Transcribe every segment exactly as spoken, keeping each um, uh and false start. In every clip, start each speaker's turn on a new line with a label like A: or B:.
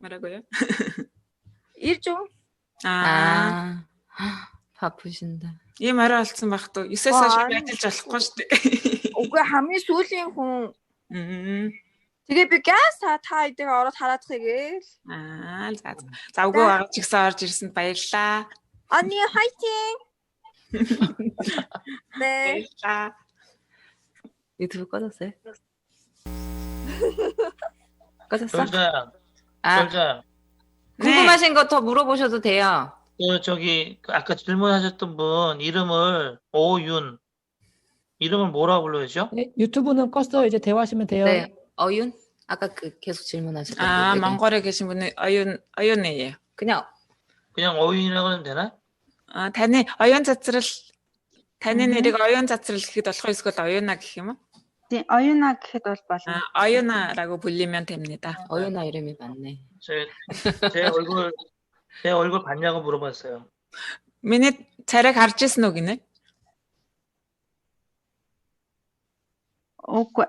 A: 뭐라고요?
B: 일종.
A: 아,
C: 아, 바쁘신다.
A: 이 말을 알았으면 막 또 있었어 싶게 ажиллаж болохгүй шүү дээ.
B: Үгүй хамгийн сүүлийн хүн.
A: 음.
B: Тэгээ би газ та та эдгээр ороод хараадах гээл.
A: Аа, за за. За үгүй байгаа ч гэсэн орж ирсэнд баярлаа.
B: 언니 화이팅. 네.
A: баярлаа.
C: 유튜브 꺼졌어요? 꺼졌어?
D: 솔자,
C: 아,
D: 솔자,
C: 궁금하신 거 더 물어보셔도 돼요.
D: 그 저기 그 아까 질문하셨던 분 이름을 오윤 이름을 뭐라고 불러야죠?
E: 네, 유튜브는 껐어. 이제 대화하시면 돼요.
C: 네, 어윤? 아까 그 계속 질문하셨던
A: 아,
C: 분.
A: 몽골에 계신 분은 어윤 어윤이에요.
C: 그냥
D: 그냥 어윤이라고 하면 되나?
A: 아, таны 어윤 자체를 таны нэрийг 어윤 자체를 гэхэд болох эсвэл 어윤아 гэх юм уу?
F: Тийм, оюуна гэхэд бол болно.
A: 아, 어윤아라고 불리면 됩니다.
C: 어윤아 이름이 맞네.
D: 제, 제 얼굴 제 얼굴 봤냐고 물어봤어요.
A: Миний царайг харж ирсэн үү гинэ?
F: Үгүй.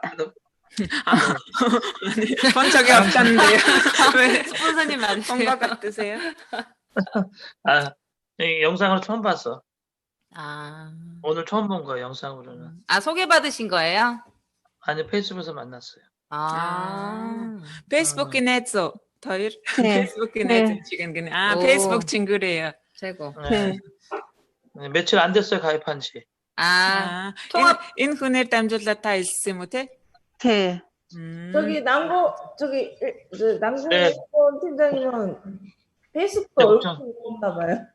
A: 아니, 본 적이 없다는데요. 왜
C: 스폰서님
A: 본
C: 맞으세요?
A: 것 같으세요?
D: 아, 이 영상으로 처음 봤어.
C: 아,
D: 오늘 처음 본 거예요, 영상으로는.
C: 아 소개받으신 거예요?
D: 아니, 페이스북에서 만났어요.
C: 아,
A: 페이스북에 내죠. 더일
F: 네.
A: 페이스북에
F: 네.
A: 내죠 지금 그냥 아
C: 오.
A: 페이스북 친구래요.
C: 최고.
D: 네. 네, 며칠 안 됐어요, 가입한 지.
C: 아,
A: 아,
C: 통합-
A: 인 인훈을 담줄라 다 있음 못해?
F: Тий.
A: 음.
G: 저기 남고 저기 일- 저 남고
D: 네.
G: 팀장님은 페이스북
D: 네,
G: 얼굴
D: 걱정.
G: 있나 봐요.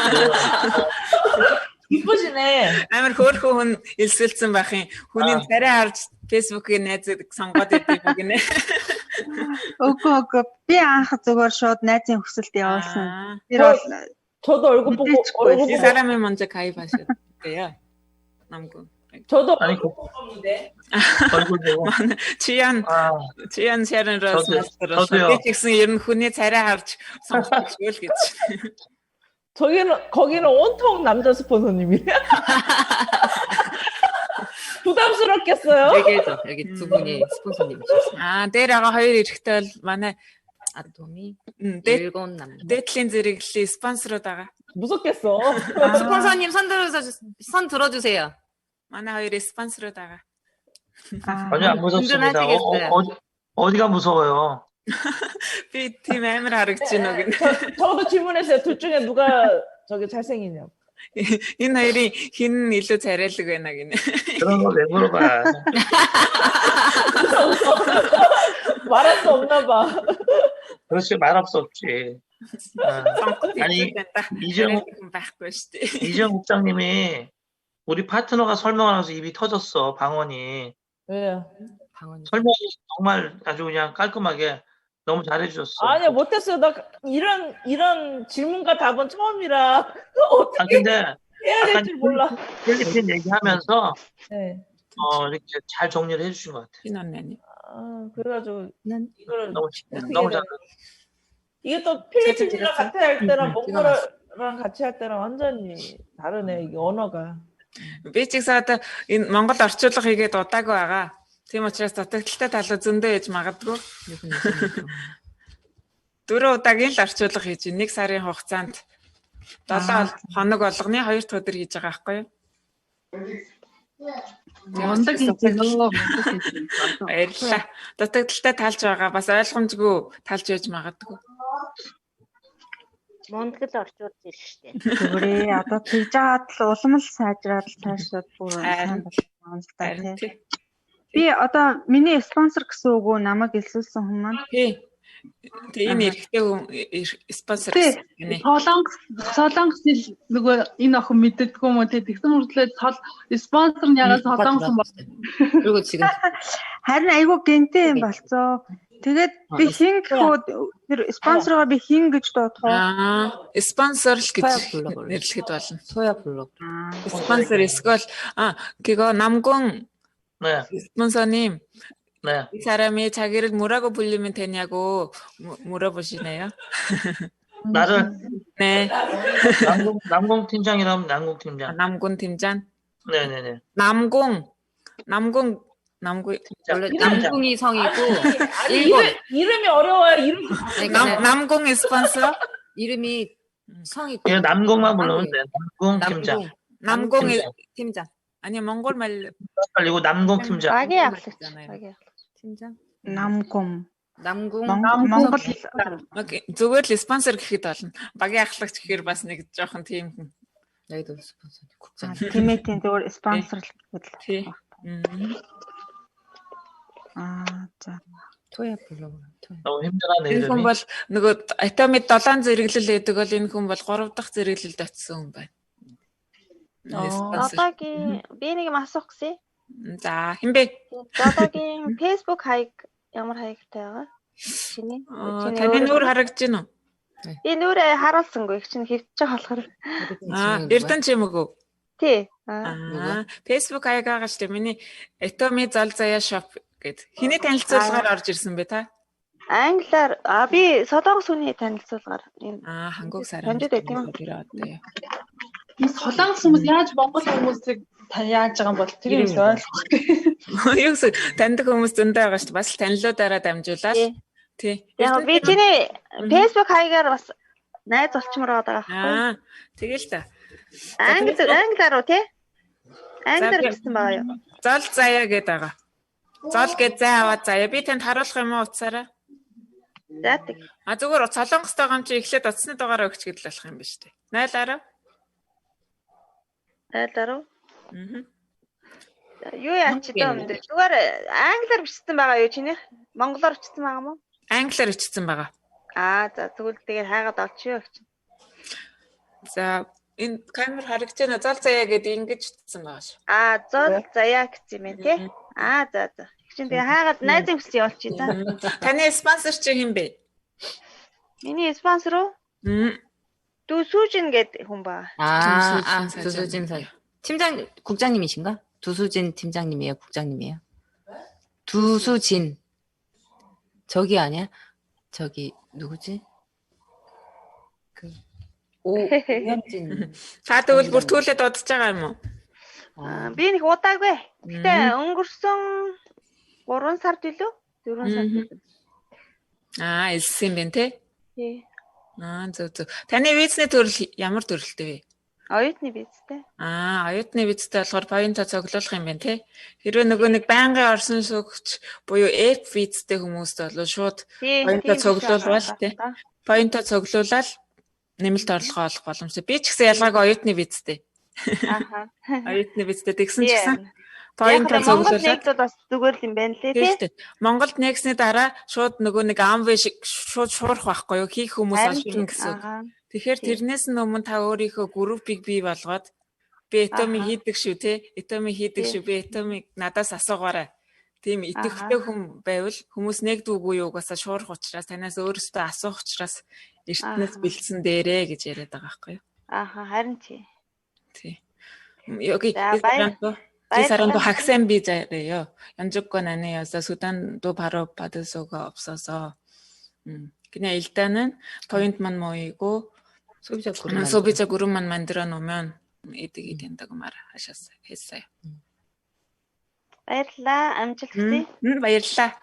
G: 이쁘시네.
A: амар хөөрхөн хүн элсэлсэн байх юм. Хүний
D: Аа.
A: царай харж фэйсбүүкийг найзууд сонгоод идэв гинэ.
F: Үгүй үгүй. Би анх зүгээр шууд найзын хүсэлд явуулсан.
A: 아,
F: Тэр бол
G: 저도 얼굴 보고
F: 네,
G: 얼굴
A: 이
G: 보고
A: 사람이 먼저 가입하셨대요. 남군.
G: 저도
D: 아니,
G: 얼굴 보고 봤는데.
D: 얼굴 보고.
A: Чиян
D: 아,
A: Чиян Шарнроос
D: 저도요.
A: мастерос.
D: 저도요.
A: Би ч гэсэн ер нь хүний царай харж сонгох зүйл гэж.
G: 저기는 거기는 온통 남자 스폰서님이에요. 부담스럽겠어요.
C: 얘기해줘. 여기 두 분이 스폰서님이셨어요.
A: Аа, дээр байгаа хоёр эрэхтэй бол манай
C: 아토미
A: 음, 데
C: 일곱 남자.
A: 데틀린 зэрэглэлийн спонсорууд байгаа.
G: 무섭겠어.
C: 스폰서님 손 들어서 손 들어주세요.
A: манай хоёрын спонсорууд байгаа.
F: аа
D: 전혀 안 무섭습니다. 어,
C: 든든하시겠어요.
D: 어, 어디, 어디가 무서워요?
A: Би тийм амар харагдаж байна уу гэнэ.
G: 저, 저도 질문했어요. 둘 중에 누가 저기 잘생기냐고.
A: Энэ хоёрын хин илүү царайлаг байна гинэ.
D: 그런 거 왜 물어봐?
G: 말할 수 없나 봐.
D: 그렇지, 말할 수 없지. 아, 아니, 이정-
A: 이정 байхгүй шүү дээ.
D: 이정 국장님이 우리 파트너가 설명하면서 입이 터졌어, 방언이.
G: 왜요?
C: 방언이.
D: 설명이 정말 아주 그냥 깔끔하게 너무 잘해주셨어.
G: 아니야 못했어요. 나 이런 이런 질문과 답은 처음이라
D: 아,
G: 어떻게
D: 근데
G: 해야 될
D: 약간
G: 줄 몰라.
D: 필리핀 얘기하면서
G: 네.
D: 어, 이렇게 잘 정리를 해주신 것 같아.
A: 흰 언니.
G: 아 그래가지고
C: 난
G: 이거를
D: 너무,
G: 어떻게
D: 너무
G: 해야
D: 잘.
G: 이게 또 필리핀이랑
A: 찍었어?
G: 같이 할 때랑
C: 응,
G: 몽골이랑 같이 할 때랑 완전히 다르네 이게 언어가.
A: Би ч гэсэн одоо энэ Монгол орчуулга хийгээд удаагүй байгаа. Тийм учраас дутагдaltaй талууд зөндөө ээж магадгүй. Дөрөв удаагийн л орчуулга хийж байна. Нэг сарын хугацаанд долоо хоног болгоны хоёр дахь өдөр хийж байгаа байхгүй юу?
H: Мундаг хийчихлээ.
A: Баярлалаа. Дутагдaltaй талж байгаа. Бас ойлгомжгүй талж яж магадгүй.
I: Монгол орчуулж ирж штэ.
F: зүгээрээ одоо тэгж жаад л улам л сайжраад л цаашаа бүр
A: Харин.
F: сайн болно л та
A: Харин
F: тий.
A: тий.
F: Би одоо миний спонсор гэсэн үг үү намайг илсүүлсэн хүн маань.
A: Тий. Тэгээ энэ эрэгтэй хүн эр- спонсор
H: Тий.
A: гэсэн гинэ.
H: Солонгос солонгос хэл нөгөө энэ охин мэддэггүй юм уу те тэгсэн мөртлөө сол спонсор нь ягаад солонгос юм бол
C: 그리고 지금
F: Харин айгүй гэнтэй юм болцоо. Тэгээд би хин гэхүү тэр спонсороо би хин гэж дуудах уу?
A: Аа, спонсор л гэж
C: Соёо 블로그를.
A: нэрлэхэд болно.
C: 소야 블로그.
A: Спонсор эсвэл а 그거 남궁
D: 네,
A: 스폰서님
D: 네.
A: 이 사람이 자기를 뭐라고 불리면 되냐고 무- 물어보시네요.
D: 나를
A: 네,
D: 남궁, 남궁 팀장이라면 남궁
A: 아,
D: 팀장.
A: 남군 팀장.
D: 네네네.
A: 남궁, 남궁 남구
C: 원래 남궁이 성이고
G: 아니,
C: 일본.
G: 이름, 이름이 어려워요. 이름.
A: 남 남궁 스폰서
C: 이름이 성이
D: 예, 남궁만 부르면 돼. 남궁 팀장.
A: 남궁
C: 팀장.
A: 아니 몽골 말
D: 그리고 남궁 팀장.
B: Багийн ахлагч. Багийн.
C: 팀장.
F: Намгум.
C: 남궁
F: Монгол
A: зүгээр л спонсор гэхэд болно. Багийн ахлагч гэхээр бас нэг жоохон тийм хүн.
C: 여기도 스폰서 국장.
F: тимэтийн зөвөр спонсорлох гэдэг л.
A: Тий. Мм.
F: Аа за.
C: 토야 블로그. 토야.
D: 너무 힘들어하네
A: Энэ хүн
D: 이름이.
A: бол нөгөө Атомид долоон зэрэглэл гэдэг бол энэ хүн бол гурав дахь зэрэглэлд очсон хүн байна. Спонсор.
B: Зодогийн би нэг юм асуух гэсэн.
A: За хинбэ?
B: Зодогийн Facebook хаяг ямар хаягтай байгаа? Чиний?
A: Таны нүур харагдаж байна уу?
B: Би нүрээ харуулсангүй. Их чинь хэвчэж байгаа болохоор.
A: Аа, Эрдэнэ ч юм уу?
B: Тий.
A: Аа, Facebook хаяг байгаа шүү дээ. Миний Atomi зол заяа shop гэд. Хиний танилцуулгаар орж ирсэн бэ та?
B: Англиар а би Солонгос хүний танилцуулгаар юм.
A: Аа, хангуг сараа.
B: Таньд байдаг юм.
A: Тэр одоо.
H: Би солонгос хүмүүс яаж монгол хүмүүсийг та яаж байгаа юм бол тэр юм ойлгохгүй.
A: Юу гэсэн таньдаг хүмүүс зөндөө байгаа шүү дээ. Бас л танилуудаараа дамжуулаад. Тий.
B: Яг би чиний Facebook хаягаар бас найз олчмоор байгаа байхгүй.
A: Аа, тэгэл та.
B: Англи англиар уу тий? Англиар гэсэн байгаа юу?
A: Зол заяа гэдэг байгаа. Зол гэж зай аваад заяа. Би танд харуулах юм уу утсаараа?
B: За тэг.
A: А зүгээр солонгостой гам чи эхлээд утасны дугаараа өгч гэдэл болох юм ба штэ. Найлаараа.
B: Найлаараа.
A: Аа.
B: Юу яач ч юм дэ. Зүгээр англиар бичсэн байгаа юу чиний? Монголоор бичсэн байгаа мó?
A: Англиар бичсэн байгаа.
B: Аа за тэгвэл тэгээд хайгаад олчихё гэж.
A: За энэ камер харагдаж байна. Зол заяа гэдэг ингэж бичсэн байгаа шүү.
B: Аа зол заяа гэсэн юм тий? Аа за за. Чинь тэгээ хайгаад найзын хүсэл явуулчих та.
A: Таны спонсор чи хэн бэ?
B: Миний спонсор уу?
A: 음.
B: 두수진 гэдэг хүн ба.
C: 아, 아, 두수진 사 팀장 국장님이신가? 두수진 팀장님이에요, 국장님이에요? 두수진. 저기 아니야? 저기 누구지? 그 오현진.
A: Та тэгвэл бүр түлээд удаж байгаа юм уу?
B: Аа би нэг удаагүй. Гэтэ өнгөрсөн гурван сард илүү? дөрвөн сард илүү.
A: Аа, элсэн юм бэ те?
B: Тий.
A: Аа, зөв зөв. Таны визний төрөл ямар төрөлтэй вэ?
B: Оюутны визтэй.
A: Аа, оюутны визтэй болохоор поинто цуглуулах юм байна те. Хэрвээ нөгөө нэг байнгын орсон суугч буюу эф визтэй хүмүүст бол шууд поинто цуглуулвал те. Поинто цуглуулаад нэмэлт орлогоо олох боломжтой. Би ч гэсэн ялгаагүй оюутны визтэй.
B: Ааха.
A: Оюутны визтэй тэгсэн ч гэсэн поинто
B: цуглуулаад
A: цуглуулаад
B: бас зүгээр л юм байна лээ тий.
A: Монголд нэгсний дараа шууд нөгөө нэг амвэ шиг шууд шуурах байхгүй юу? Хийх хүмүүс олно гэсэн. Тэгэхээр тэрнээс нь өмнө та өөрийнхөө группийг бий болгоод би Atomi хийдэг шүү те. Atomi хийдэг шүү. Би Atomi надаас асуугаарай. Тийм идэвхтэй хүн байвал хүмүүс нэгдвгүй юу угаасаа шуурах учраас танаас өөрөөсөө асуух учраас эртнээс бэлдсэн дээрээ гэж яриад байгаа байхгүй юу?
B: Ааха, харин тий.
A: Тий. Йоги Ти саранду хаксан би заяа. Янжукко нане яса Судан ду 바로 받을 수가 없어서. 음. 그냥 일단은 포인트만 모이고
C: 소비자 그룹
A: 소비자 그룹만 만들어 놓으면 이득이 된다고 말하셨어요. 했어요.
B: баярлалаа. Амжилт хүсье.
A: 음, баярлалаа.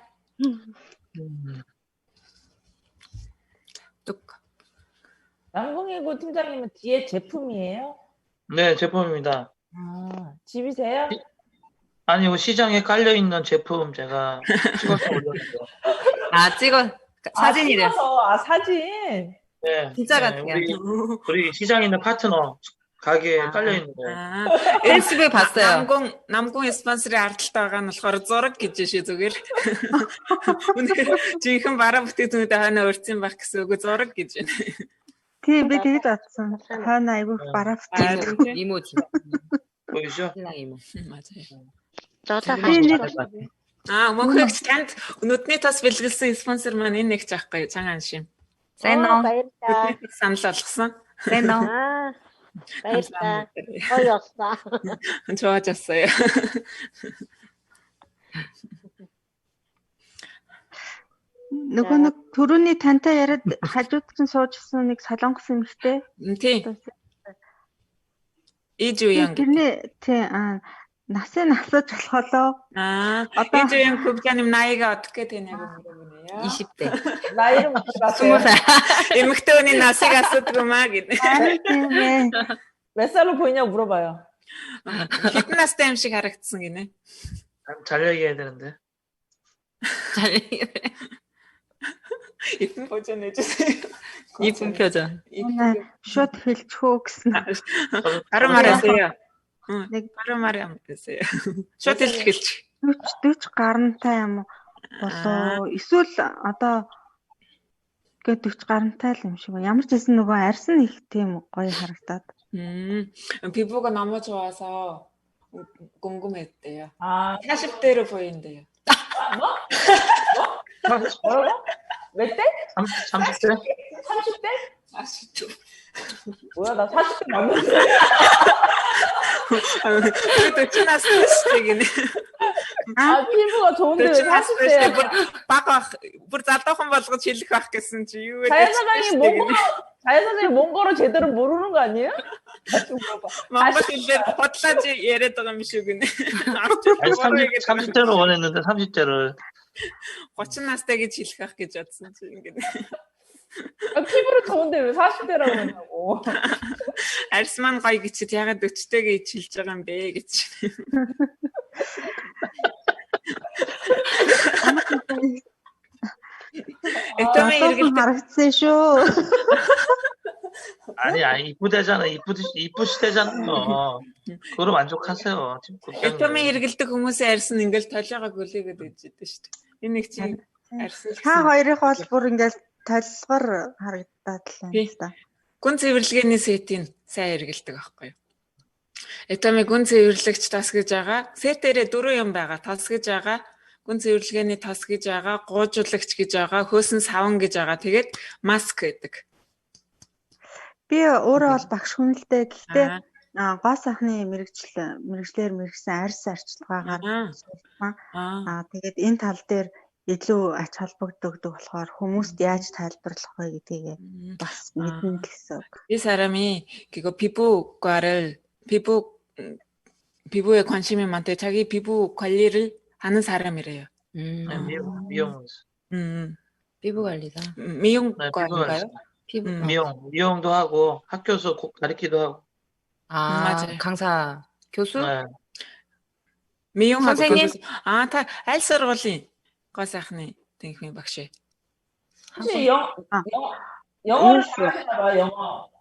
C: 뚝.
G: 남궁이고 팀장님은 뒤에 제품이에요?
D: 네, 제품입니다.
G: 아, 집이세요?
D: 아니요, 시장에 깔려 있는 제품 제가 찍어서 올렸어요.
C: 아, 찍어 사진이래.
G: 아, 찍어서, 아, 사진.
D: 네,
C: 진짜
D: 네,
C: 같아요.
D: 우리, 우리 시장에 있는 파트너 가게에
A: 아,
D: 깔려 있는 거예요.
A: 아,
C: 페이스북에 봤어요.
A: 남궁 남궁 스폰서를 ардталтай байгаа нь болохоор зураг гэж шүү зүгээр. Үнэхээр жинхэнэ бараа бүтээгдэхүүнүүд хаана өрцөн байх гэсэн үг зураг гэж байна.
F: Тий, би тэгж бодсон. Хаана айгүй барафтай.
C: 이모지.
D: 보이시죠?
C: 신랑 이모.
A: 맞아요.
B: 저도
A: Аа, мөнхөгч танд нүдний тас бэлгэлсэн спонсор маань энэ нэг ч аахгүй цагаан шим.
C: 세노.
B: баярлалаа.
A: Санал болгосон.
C: 세노.
I: Аа. Баярлалаа. Гоё болсноо.
A: 좋아졌어요.
F: Нөгөө нэг төрөний тантай яриад хажууд чинь суужсэн нэг солонгос эмэгтэй.
A: Тий. Ижуян.
F: Тэрний тий аа насыг асууж болохоо.
A: Аа.
F: Одоо
A: энэ юм 국장님 나이가 어떻게 되냐고 물어보네요.
C: 이십 대.
G: 나이를 물어봤어요.
C: 스무 살.
A: эмэгтэй хүний насыг асуудагмаа гэдэг.
F: харин тийм ээ.
G: 몇 살로 보이냐고 물어봐요.
A: Хэдэн настай юм шиг харагдсан гинэ.
D: 잘 얘기해야 되는데.
C: 잘
A: 이쁜 표정 해주세요.
C: 이쁜 표정.
F: Манай шууд хэлчихөө гэсэн.
A: 바로 말하세요. 응,
F: 네.
A: 바로 말하세요. шууд хэлж.
F: дөч гарантай юм болоо эсвэл одоо гээд дөч гарантай л юм шиг ба. Ямар ч хэсэн нөгөө арьсан их тийм гоё харагдаад.
A: 음, 피부가 너무 좋아서 궁금했대요.
G: 아,
A: 사십 대로 보인대요.
G: 뭐? 뭐? 뭐라고? 몇 대?
D: 삼십 대?
G: 삼십 대?
A: 사십 대.
G: 뭐야, 나 사십 대 맞는데?
A: 그래도 지났을 때긴 해.
G: 아, 피부가 좋은데 왜 사십 대야?
A: бага бүр залуухан болгож хэлэх байх гэсэн чи юу вэ?
G: 자연사장이 몽골어, 자연사장이 몽골어 제대로 모르는 거 아니에요? 다시 물어봐.
A: монгол хэлээр бодлооч яриад байгаа юм шиг гинэ.
D: 아니, 삼십, 삼십 대로 원했는데 삼십 대를.
A: 삼십 настай гэж хэлэх байх гэж бодсон чи ингэнэ.
G: 아, 피부를 좋은데 왜 사십 대라고 했냐고.
A: Арьс маань гоё гэчихэд ягаад forty гэж хэлж байгаа юм бэ гэж. 애터미
F: 이렇게 харагдсан шүү.
D: 아니, 아니, 이쁘대잖아. 이쁘, 이쁘시대잖아요. 그거로 만족하세요. 지금 국장님.
A: 애터미 хэрэгэлдэг хүмүүсийн арьс нь ингээл толиогоо гүлээгээд байж идэв шүү дээ. Энэ нэг чинь арьс.
F: Та хоёрыг бол бүр ингээл толгор харагдаад л юм да.
A: Гүн цэвэрлэгээний сетийн сайн хэрэгэлдэг байхгүй юу? Этами гүн цэвэрлэгч тас гэж байгаа. Сет дээрээ дөрвөн юм байгаа. Тас гэж байгаа. Гүн цэвэрлэгээний тас гэж байгаа. Гуужуулагч гэж байгаа. Хөөсөн саван гэж байгаа. Тэгээд маск гэдэг.
F: Би өөрөө бол багш хүн л дээ. Гэхдээ гоо сайхны мэрэгжил мэрэгчлэр мэрэгсэн арьс арчилгаагаар аа тэгээд энэ тал дээр илүү ач холбогддог болохоор хүмүүст яаж тайлбарлах вэ гэдгийг бас мэднэ гэсэн үг.
A: 이 사람이 그거 피부과를 피부 피부에 관심이 많대. 자기 피부 관리를 하는 사람이래요.
C: 음.
D: 네, 미용, 미용.
A: 음.
C: 피부 관리다.
A: 미용과인가요?
C: 피부
A: 음.
D: 미용, 미용도 하고 학교에서 가르치기도 하고.
C: 아,
A: 맞아요.
C: 강사, 교수?
D: 네.
A: 미용하고
C: 선생님?
A: 교수. 아, 다 аль сургуулийн гоо сайхны тэнхмийн багш.
G: 혹시 영,
F: 아.
G: 영, 영어를 잘하시나 봐요, 영어.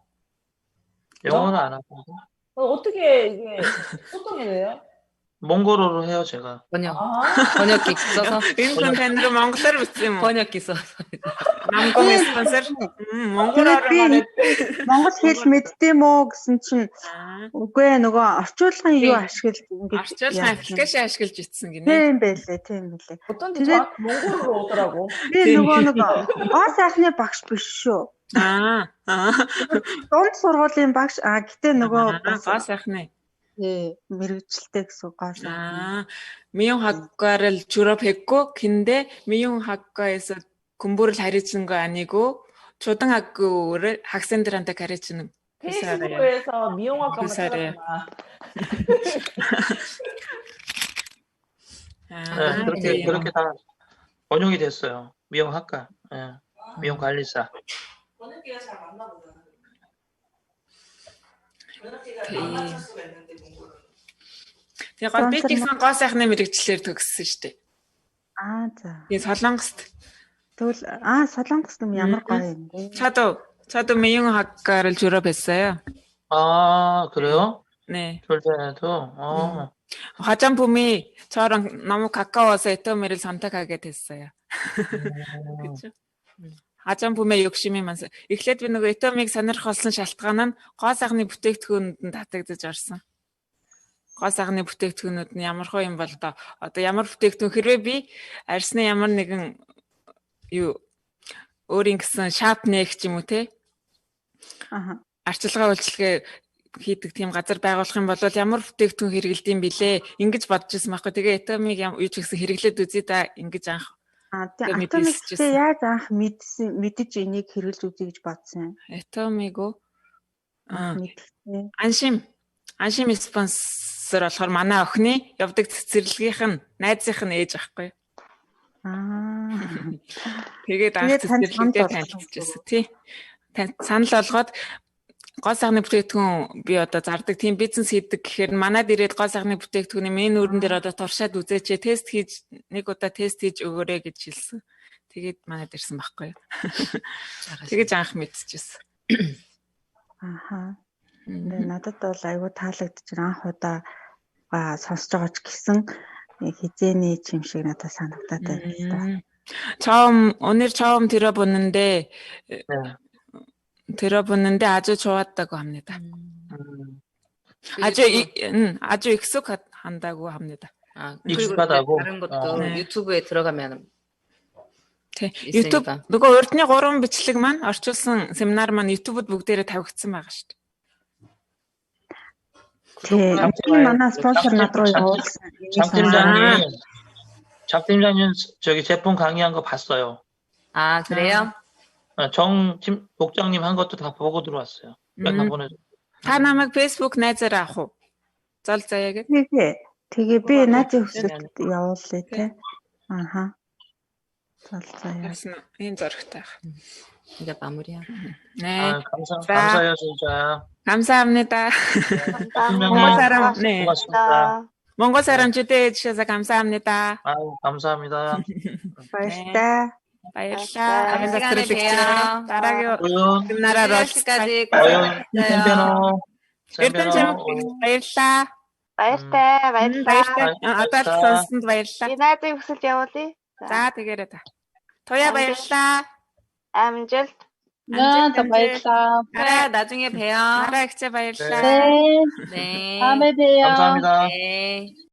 D: 영어는 안 하고.
G: 어, 어떻게 이게 소통이 돼요?
D: 몽골어로 해요, 제가.
C: 번역.
G: 아,
C: 번역기 써서.
A: Энэ танд монголоор бичсэн юм уу?
C: 번역기 써서.
A: Намгон спонсор. Монголоор
F: би монгол хэл мэддэм үү гэсэн чинь үгүй ээ нөгөө орчуулгын юу ашиглаж ингэж
A: орчуулгын аппликейшн ашиглаж итсэн гинэ.
F: тийм байлээ тийм байлээ.
G: 어쩐지 저 몽골어로 오더라고.
F: Би нөгөө нэг гоо сайхны багш биш шүү.
A: Аа. Аа.
F: Дунд сургуулийн багш а гэтээ нөгөө
A: гоо сайхны.
F: 예, мэрэгжилтэй гэсэн гоо сайхан.
A: 아, 미용학과를 졸업했고, 근데 미용학과에서 공부를 가르치는 거 아니고, 초등학교를 학생들한테 가르치는 그 사람이에요.
G: 페이스북에서 미용학과만
A: 그 사람이에요.
G: 찾았구나.
A: 아,
D: 네, 그렇게,
A: 네.
D: 그렇게 다 번역이 됐어요. 미용학과. 예. 미용관리사.
G: 번역기가 잘 맞나 보다.
A: Тэгээ гол би гэсэн гоо сайхны мэрэгчлэр төгссөн шүү дээ.
F: Аа за.
A: Тэгээ Солонгост.
F: Тэгвэл аа Солонгос юм ямар гоё юм бэ?
A: 저도 저도 미용학과를 졸업했어요.
D: 아, 그래요?
A: 네.
D: 졸대도? 어.
A: 화장품이 저랑 너무 가까워서 애터미를 선택하게 됐어요. 그렇죠? 화장품에 욕심이 많아서 эхлээд би нөгөө 애터миг сонирх болсон шалтгаан нь гоо сайхны бүтээгдэхүүнүүд нь татагдаж орсон. Гоо сайхны бүтээгдэхүүнүүд нь ямар хөө юм бол одоо одоо ямар бүтээгдэхүүн хэрвээ би арьсны ямар нэгэн юу өөрийн гэсэн шап нэг ч юм уу те
F: Аа.
A: арчилгаа үйлчилгээ хийдэг тийм газар байгуулах юм бол ямар бүтээгдэхүүн хэрэгэлдэм билээ ингэж бодож ирсэн байхгүй. Тэгээ этомиг юу ч гэсэн хэрэглээд үзье да ингэж анх
F: А тийм автоматиктэй яаж анх мэдсэн мэдэж энийг хэрэглэж үзье гэж бодсон.
A: этомиго
F: Мэдхээ.
A: 안심 안심 스폰서 продюсер болохоор манай охины явдаг цэцэрлэгийнх нь найзынх нь ээж ахгүй.
F: Аа.
A: Тэгээд анх цэцэрлэгтэй танилцчихсан тий. Санал болгоод гол сайхны бүтээгдэхүүн би одоо зардаг тийм бизнес хийдэг гэхээр манад ирээд гол сайхны бүтээгдэхүүний мен өрөн дээр одоо туршаад үзээч тест хийж нэг удаа тест хийж өгөөрэй гэж хэлсэн. Тэгээд манад ирсэн байхгүй юу. Тэгэж анх мэдчихсэн.
F: Аха. Нэ надад бол айгүй таалагдчих анх удаа сонсож байгаа ч гэсэн хизээний юм шиг надад санагдаад байна.
A: 처음 오늘 처음 들어보는데 들어보는데 아주 좋았다고 합니다.
D: 음.
A: 아주 이, 음, 아주 익숙한다고 합니다.
C: 아,
D: 익숙하다고?
C: 다른 것도
D: 어.
A: 네.
C: 유튜브에 들어가면
A: Тэ.
C: 있으니까.
A: YouTube нөгөө урдны гурван бичлэг маань орчуулсан семинар маань YouTube-д бүгдээрээ тавигдсан байгаа шүү дээ.
F: Тэгээ энэ манай спонсор над руу явуулсан.
D: 장 팀장님, 장 팀장님 저기 제품 강의한 거 봤어요.
C: 아, 그래요?
D: 어, 정 팀, 복장님 한 것도 다 보고 들어왔어요. 다
A: 음.
D: 보내줘.
A: Та намайг Facebook найзаараа авах уу? Зол заяа гэд.
F: Тэгээ тэгээ би найзын хөсөлд явуулъя те. Аха. Залцаа.
A: Яасан энэ зөрөгтэй байх.
C: 이제 마무리야.
A: 네.
D: 아, 감사,
A: 자.
D: 감사해요, 진짜.
A: 감사합니다.
D: 팀장님,
A: 몽골 사람 네.
D: 고맙습니다.
A: 몽골 사람 초대해 주셔서 감사합니다.
D: 아유, 감사합니다.
F: Баярлалаа.
A: баярлалаа.
C: 다음 시간에 봬요.
A: дараагийн
D: 오윤,
A: семинараар
C: 시까지
D: 오윤, 샌베노,
A: Эрдэнэ чамд баярлалаа.
B: Баяртай, баярлалаа.
A: Баярлалаа. Одоо л сонссонд баярлалаа.
B: Би найзын хүсэлд явуулъя.
A: За тэгээрэй та. Тоя баярлалаа.
B: Амжилт.
H: 네, 더 баярлалаа.
C: 그래, 나중에 봬요.
A: Араа ихцээ баярлалаа.
H: 네,
C: 네.
H: 다음에 봬요.
D: 감사합니다.
C: 네.